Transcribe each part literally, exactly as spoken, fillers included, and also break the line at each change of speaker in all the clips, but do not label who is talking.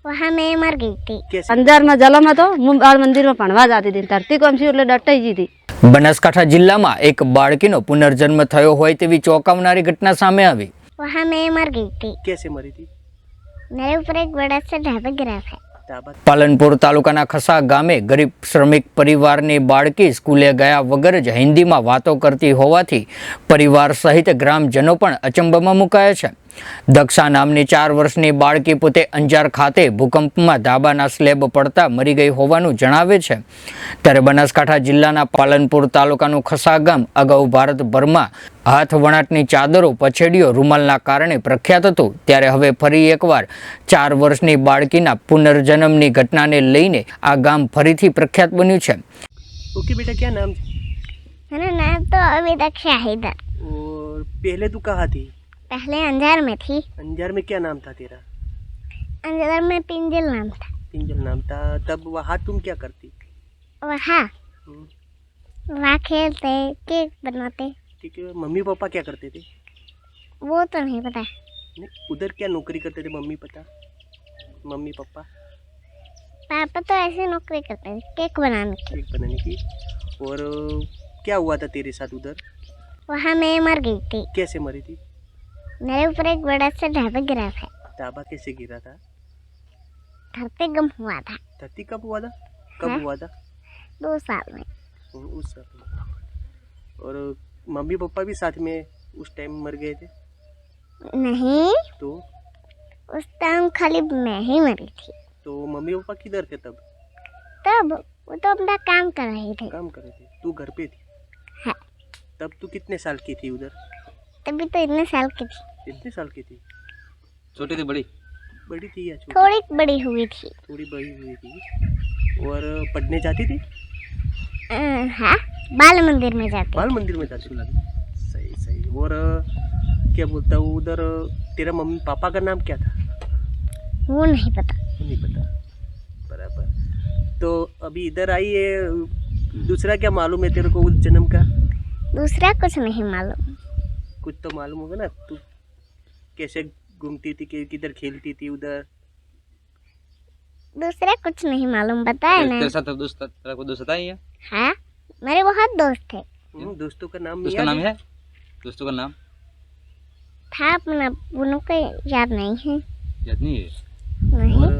वहाँ मैं मर गई थी।
कैसे?
अंजार में जलम હતો હું બાળ મંદિરમાં ભણવા જતી હતી ધરતી કોમથી એટલે ડટાઈ ગઈ હતી।
બનાસકાંઠા જિલ્લામાં એક બાળકીનો પુનર્જન્મ થયો હોય તેવી ચોંકાવનારી ઘટના સામે આવી।
वहाँ मैं मर गई थी।
कैसे मरी थी?
मेरे ऊपर एक बड़ा सा ढाबा गिरा था।
ढाबा?
પાલનપુર તાલુકાના ખસા ગામે ગરીબ શ્રમિક પરિવારની બાળકી સ્કૂલે ગયા વગર જ હિન્દીમાં વાતો કરતી હોવાથી પરિવાર સહિત ગ્રામજનો પણ અચંબામાં મુકાયા છે। દક્ષા નામની ચાર વર્ષની બાળકી પોતે અંજાર ખાતે ભૂકંપમાં ધાબાના સ્લેબ પડતા મરી ગઈ હોવાનું જણાવે છે। ત્યારે બનાસકાંઠા જિલ્લાના પાલનપુર તાલુકાનું ખસા ગામ અગાઉ ભારતભરમાં હાથ વણાટની ચાદરો પછેડીઓ રૂમાલના કારણે પ્રખ્યાત હતું, ત્યારે હવે ફરી એકવાર ચાર વર્ષની બાળકીના પુનર્જન્મની ઘટનાને લઈને આ ગામ ફરીથી પ્રખ્યાત બન્યું છે।
ओके बेटा, क्या नाम?
मेरा नाम तो अभी तक शाहिद है।
और पहले तू कहाँ थी?
पहले अंजार में थी।
अंजार में क्या नाम था तेरा?
अंजार में पिंजल नाम था।
पिंजल नाम था। तब वहाँ तुम क्या करती?
वहाँ
हम्म,
वहाँ खेलते केक बनाते।
ठीक है। मम्मी पापा क्या करते थे?
वो तो नहीं पता।
नहीं, उधर क्या नौकरी करते थे मम्मी पता? मम्मी पापा
पापा तो ऐसे नौकरी करते थे केक बनाने की।
केक बनाने की। और क्या हुआ था तेरे साथ उधर?
वहाँ मैं मर गई थी।
कैसे मरी थी?
मेरे ऊपर एक बड़ा सा ढाबा गिरा था।
ढाबा कैसे गिरा था?
धरती गम हुआ था।
धरती कब हुआ था? कब
हाँ?
हुआ था?
दो साल में।
उस साल में। और मम्मी पापा भी साथ में उस टाइम मर गए थे?
नहीं,
तो
उस टाइम खाली मैं ही मरी थी।
तो मम्मी पापा किधर थे तब?
तब वो तो अपना काम कर रहे थे।
काम कर रहे थे, तू घर पे थी?
हाँ।
तब तू कितने साल की थी उधर?
तभी तो इतने साल की थी।
कितने साल की थी?
छोटी थी बड़ी?
बड़ी थी या छोटी?
थोड़ी बड़ी हुई थी।
थोड़ी बड़ी हुई थी। और पढ़ने जाती थी?
अ, हाँ, बाल मंदिर में जाते।
बाल मंदिर में जाती थी। सही सही। और क्या बोलता हूँ, उधर तेरा मम्मी पापा का नाम क्या था?
वो नहीं पता।
वो नहीं पता। बराबर। तो अभी इधर आई है, दूसरा क्या मालूम है तेरे को उस जन्म का?
दूसरा कुछ नहीं मालूम।
कुछ तो मालूम होगा ना, तू कैसे घूमती थी, कि किधर खेलती थी उधर?
दूसरा कुछ नहीं मालूम, बताए ना।
तेरे साथ दोस्त तेरा कोई दोस्त है?
हाँ, मेरे बहुत दोस्त थे।
हम्म, दोस्तों का नाम
दोस्त का
याद
नाम है? दोस्तों का नाम
था अपना, उनको याद नहीं है।
याद नहीं है?
नहीं।
और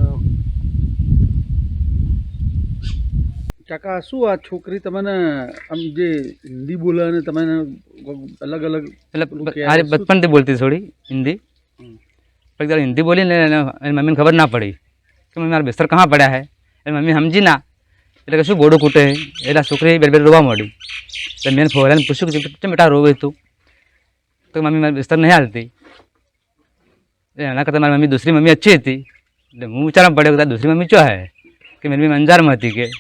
કાકા શું આ છોકરી તમને આમ જે હિન્દી બોલે અને તમે અલગ અલગ
मतलब अरे बचपन से बोलती थोड़ी हिंदी, पर एक बार हिंदी बोली ने मेरी मम्मी ने खबर ना पड़ी कि मम्मी मारा बिस्तर कहाँ पड़ा है। मेरी मम्मी समझी ना એટલે શું ગોડું કૂટે એટલે છોકરી બે બે રોવા માંડી। એટલે મેં ફોરાને પૂછ્યું કે કેમ બેટા રોવે તું? તો મમ્મી મારી બિસ્તર નહીં હાલતી। એના કરતાં મારી મમ્મી दूसरी मम्मी अच्छी थी। એટલે હું વિચારવા પડ્યો કે दूसरी मम्मी क्या है कि मेरी मम्मी अंजाરમાં હતી કે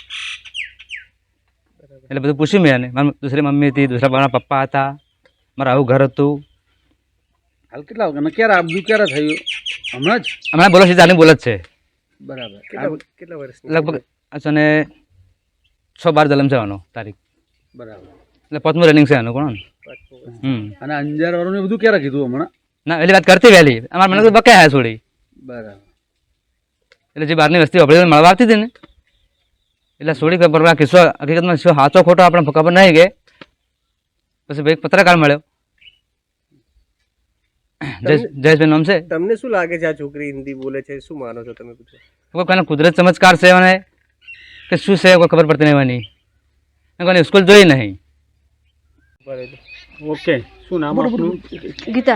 એટલે બધું પૂછ્યું મેં એને। મારી दूसरी मम्मी હતી, दूसरा મારા પપ્પા હતા, મારું આવું ઘર હતું।
હાલ કેટલા વાગ્યા ક્યારે આ બધું ક્યારે થયું? હમણાં જ?
હમણાં બોલો છે ચાલી બોલે જ છે
બરાબર।
કેટલા કેટલા વર્ષની?
લગભગ અને છ બાર જલમ છે આનો તારીખ,
બરાબર।
એટલે પાંચમું રનિંગ છે આનું કોણ। હમ
અને અંજાર વાળું બધું ક્યારે કીધું હમણાં?
ના એટલે વાત કરતી વહેલી અમારા મને તો બકાયા છોડી।
બરાબર।
એટલે જે બહારની વસ્તી આપણે મળવા આવતી હતી ને એટલે છોડી ખબર આ કિસ્સો હકીકતમાં શું સાચો ખોટો આપણે ખબર નહીં કે પછી ભાઈ પત્રકાર મળ્યો જયેશભાઈ નામ છે।
તમને શું લાગે છે આ છોકરી હિન્દી બોલે છે, શું માનો છો તમે? પૂછો।
કોઈ કોઈને કુદરત ચમત્કાર છે મને કે શું છે કોઈ ખબર પડતી નહીં મને, કોઈને સ્કૂલ જોઈ નહીં।
ઓકે, શું નામ આપનું?
ગીતા।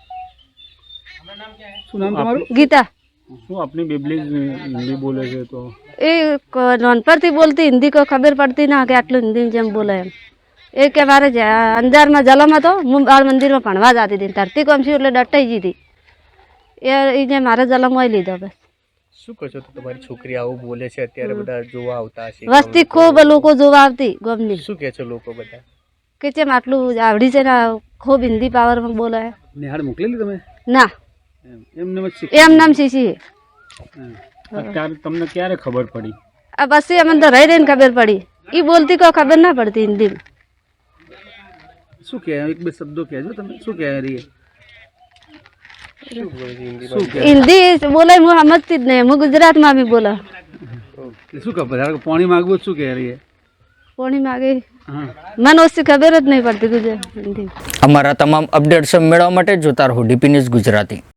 શું નામ તમારું?
ગીતા।
શું આપની બેબલી હિન્દી બોલે છે તો
એ નાનપણથી બોલતી હિન્દી કોઈ ખબર પડતી ના કે આટલું હિન્દી જેમ બોલે એમ। એ કે મારે અંજારમાં જલમ હતો હું બાળ મંદિરમાં ભણવા જતી હતી ધરતી કોમથી એટલે ડટાઈ ગઈ હતી એ જે મારે જલમ હોય લીધો બસ।
શું કહો છો? તો તમારી છોકરી આવું બોલે છે, અત્યારે બધા જોવા આવતા હશે,
વસ્તી ખૂબ લોકો જોવા આવતી ગમની
શું કહે છે લોકો બધા
કે જેમ આટલું આવડી છે ને ખૂબ હિન્દી પાવરમાં બોલે
નિહાળ મોકલેલી તમે?
ના,
એમને
એમ નામ શીશી।
અત્યારે તમને ક્યારે ખબર પડી?
આ બસ અમને તો રહી રહીને ખબર પડી, એ બોલતી કોઈ ખબર ના પડતી હિન્દીમાં।
શું કહે? એક બે શબ્દો કહેજો તમે, શું કહે રહી?
શું બોલે છે હિન્દીમાં?
શું કહે
हिंदी बोले હું સમજતી જ નહીં હું ગુજરાતમાં બી બોલા
શું કહે ધારો કે પાણી માગવું શું કહે રહી
પાણી માગે
હા
મને ઓછી ખબર જ નહીં પડતી ગુજરાત હિન્દી
અમારા તમામ અપડેટ્સ મેળવવા માટે જોતા રહો ડીપી ન્યૂઝ ગુજરાતી.